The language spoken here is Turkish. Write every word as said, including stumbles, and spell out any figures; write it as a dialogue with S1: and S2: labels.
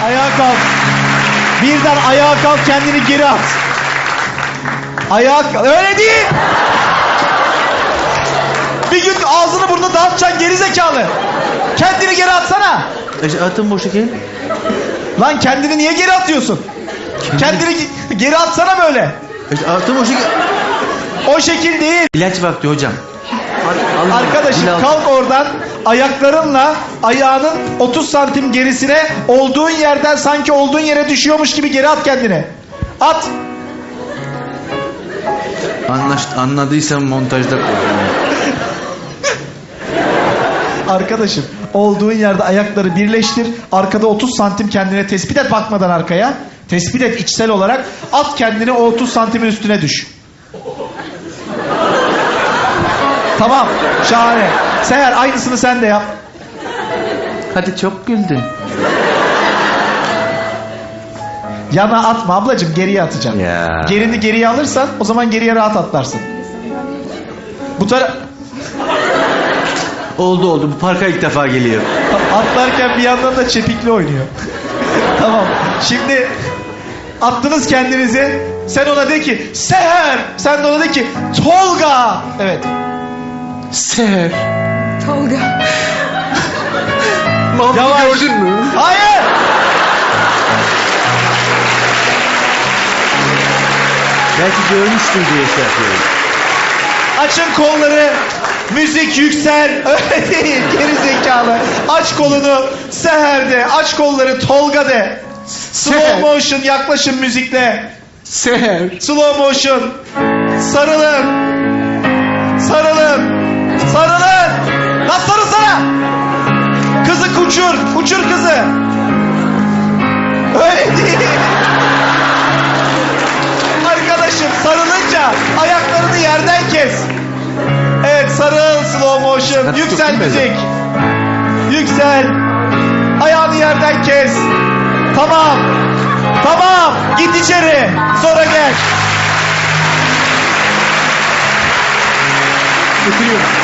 S1: Ayağa kalk. Birden ayağa kalk, kendini geri at. Ayağa kalk. Öyle değil. Bir gün ağzını burnunu dağıtacaksın gerizekalı. Kendini geri atsana.
S2: E, atın boşu gel.
S1: Lan kendini niye geri atıyorsun? Kendini ge- geri atsana böyle.
S2: E, atın boşu gel.
S1: O şekil değil.
S2: İlaç vakti hocam. Al- al-
S1: Arkadaşım
S2: dil al.
S1: kalk oradan, ayaklarınla ayağının otuz santim gerisine, olduğun yerden sanki olduğun yere düşüyormuş gibi geri at kendini. At.
S2: Anlaşt, anladıysam montajda koy.
S1: Arkadaşım olduğun yerde ayakları birleştir. Arkada otuz santim kendine tespit et, bakmadan arkaya. Tespit et içsel olarak. At kendini, o otuz santimin üstüne düş. Tamam, şahane. Seher, aynısını sen de yap.
S2: Hadi çok güldün.
S1: Yana atma ablacığım, geriye atacaksın.
S2: Ya.
S1: Gerini geriye alırsan o zaman geriye rahat atlarsın. Bu tara
S2: Oldu oldu. Bu parka ilk defa geliyor.
S1: atlarken bir yandan da çepikli oynuyor. Tamam. Şimdi attınız kendinizi. Sen ona de ki Seher. Sen de ona de ki Tolga. Evet.
S2: Seher.
S3: Tolga.
S2: Mahmut'u
S1: Yavaş.
S2: gördün mü?
S1: Hayır.
S2: Belki görmüştür diye şey yapıyorum.
S1: Açın kolları. Müzik yüksel. Öyle değil. Geri zekalı. Aç kolunu. Seher de. Aç kolları. Tolga de. Slow
S2: Seher.
S1: motion yaklaşın müzikle.
S2: Seher.
S1: Slow motion. Sarılın. Sarılın. Sarılın. Lan sarılsana. Kızı uçur. Uçur kızı. Öyle değil. Arkadaşım sarılınca ayaklarını yerden kes. Evet, sarıl, slow motion.
S2: Hadi
S1: Yüksel
S2: tutun beni.
S1: müzik. Yüksel. Ayağını yerden kes. Tamam. Tamam. Git içeri. Sonra gel.
S2: Götürüyorum.